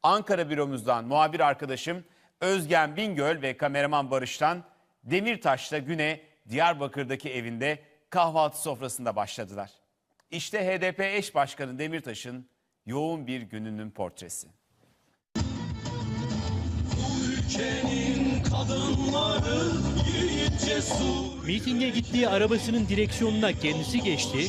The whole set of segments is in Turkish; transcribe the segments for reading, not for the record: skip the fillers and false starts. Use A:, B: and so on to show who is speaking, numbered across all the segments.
A: Ankara büromuzdan muhabir arkadaşım Özgen Bingöl ve kameraman Barış'tan Demirtaş'la güne Diyarbakır'daki evinde kahvaltı sofrasında başladılar. İşte HDP eş başkanı Demirtaş'ın yoğun bir gününün portresi.
B: Mitinge gittiği arabasının direksiyonuna kendisi geçti.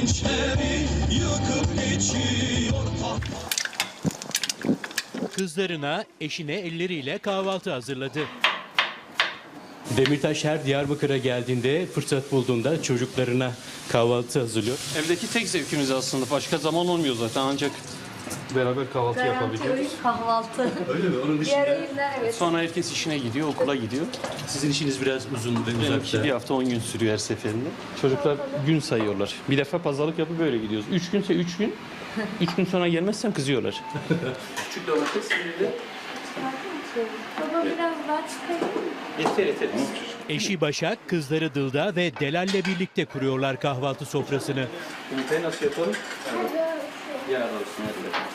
B: Kızlarına, eşine elleriyle kahvaltı hazırladı. Demirtaş her Diyarbakır'a geldiğinde, fırsat bulduğunda çocuklarına kahvaltı hazırlıyor.
C: Evdeki tek zevkimiz aslında. Başka zaman olmuyor zaten, ancak beraber kahvaltı yapabiliyoruz.
D: Kahvaltı.
B: Öyle mi? Onun
D: Diğer öğünler evet.
C: Sonra herkes işine gidiyor, okula gidiyor.
B: Sizin işiniz biraz uzun ve
C: Benimki
B: uzakta.
C: bir hafta 10 gün sürüyor her seferinde. Çocuklar gün sayıyorlar. Bir defa pazarlık yapıp böyle gidiyoruz. 3 günse 3 gün. 3 gün sonra gelmezsem kızıyorlar. Küçük domates şimdi.
D: Baba biraz daha çıkayım.
C: Yeter.
B: Eşi Başak, kızları Dılda ve Delal'le birlikte kuruyorlar kahvaltı sofrasını.
C: Yumurtayı nasıl yapalım? Yağ olsun hadi.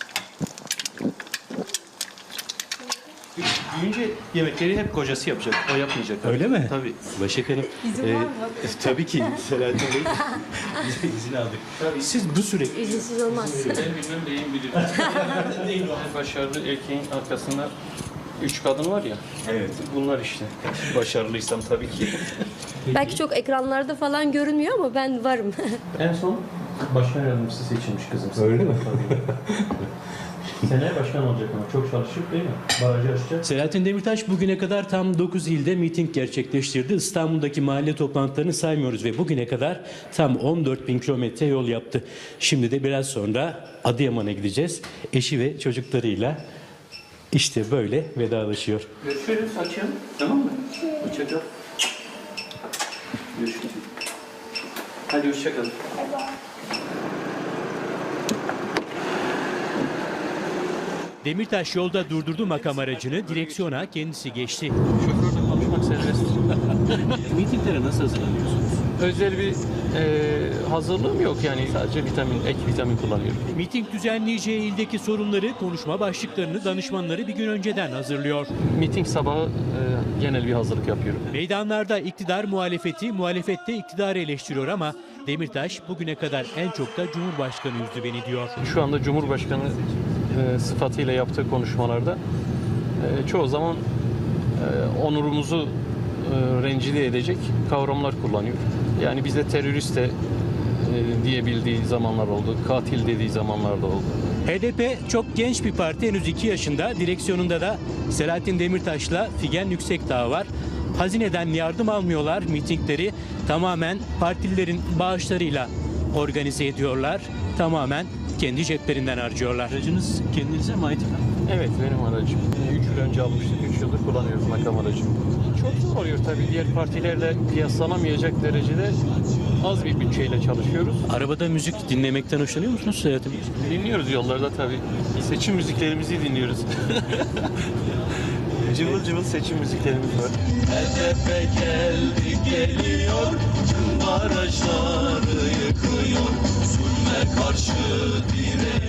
C: Büyüyünce yemekleri hep kocası yapacak. O yapmayacak.
B: Öyle mi?
C: Tabii.
B: Başak Hanım,
D: İzin var mı?
B: tabii ki Selahattin Bey izin aldık.
C: Tabii.
B: Siz bu sürekli
D: İzinsiz olmaz.
C: Ben bilmem beyim bilir. Her başarılı erkeğin arkasında 3 kadın var ya.
B: Evet.
C: Bunlar işte. Başarılıysam tabii ki.
D: Belki çok ekranlarda falan görünmüyor ama ben varım.
C: En son başkan yardımcısı seçilmiş kızım.
B: Öyle mi?
C: Seneye başkan olacak ama çok çalışıp değil mi? Barajı açacak.
B: Selahattin Demirtaş bugüne kadar tam 9 ilde miting gerçekleştirdi. İstanbul'daki mahalle toplantılarını saymıyoruz ve bugüne kadar tam 14.000 kilometre yol yaptı. Şimdi de biraz sonra Adıyaman'a gideceğiz. Eşi ve çocuklarıyla işte böyle vedalaşıyor.
C: Görüşürüz akşam. Tamam mı? Hoşçakal. Görüşürüz. Hadi hoşçakalın.
B: Demirtaş yolda durdurdu makam aracını, direksiyona kendisi geçti.
C: Şoförle konuşmak serbest.
B: Mitinglere nasıl hazırlanıyorsunuz?
C: Özel bir hazırlığım yok yani, sadece ek vitamin kullanıyorum.
B: Miting düzenleyeceği ildeki sorunları, konuşma başlıklarını danışmanları bir gün önceden hazırlıyor.
C: Miting sabahı genel bir hazırlık yapıyorum.
B: Meydanlarda iktidar muhalefeti, muhalefette iktidarı eleştiriyor ama Demirtaş bugüne kadar en çok da Cumhurbaşkanı üzdü beni diyor.
C: Şu anda Cumhurbaşkanı sıfatıyla yaptığı konuşmalarda çoğu zaman onurumuzu rencide edecek kavramlar kullanıyor. Yani bize terörist de diyebildiği zamanlar oldu, katil dediği zamanlar da oldu.
B: HDP çok genç bir parti, henüz 2 yaşında. Direksiyonunda da Selahattin Demirtaş'la Figen Yüksekdağ var. Hazineden yardım almıyorlar, mitingleri tamamen partililerin bağışlarıyla organize ediyorlar. Tamamen kendi ceplerinden harcıyorlar. Aracınız kendinize mi ait?
C: Evet, benim aracım. 3 yıl önce almıştık, 3 yıldır kullanıyoruz makam aracımı. Çok zor oluyor tabii, diğer partilerle kıyaslanamayacak derecede az bir bütçeyle çalışıyoruz.
B: Arabada müzik dinlemekten hoşlanıyor musunuz Selahattin Bey?
C: Dinliyoruz yollarda tabii. Seçim müziklerimizi dinliyoruz. Cıvıl cıvıl seçim müziklerimiz var.
E: HDP geldi geliyor, tüm barajları yıkıyor, zulme karşı direniyor.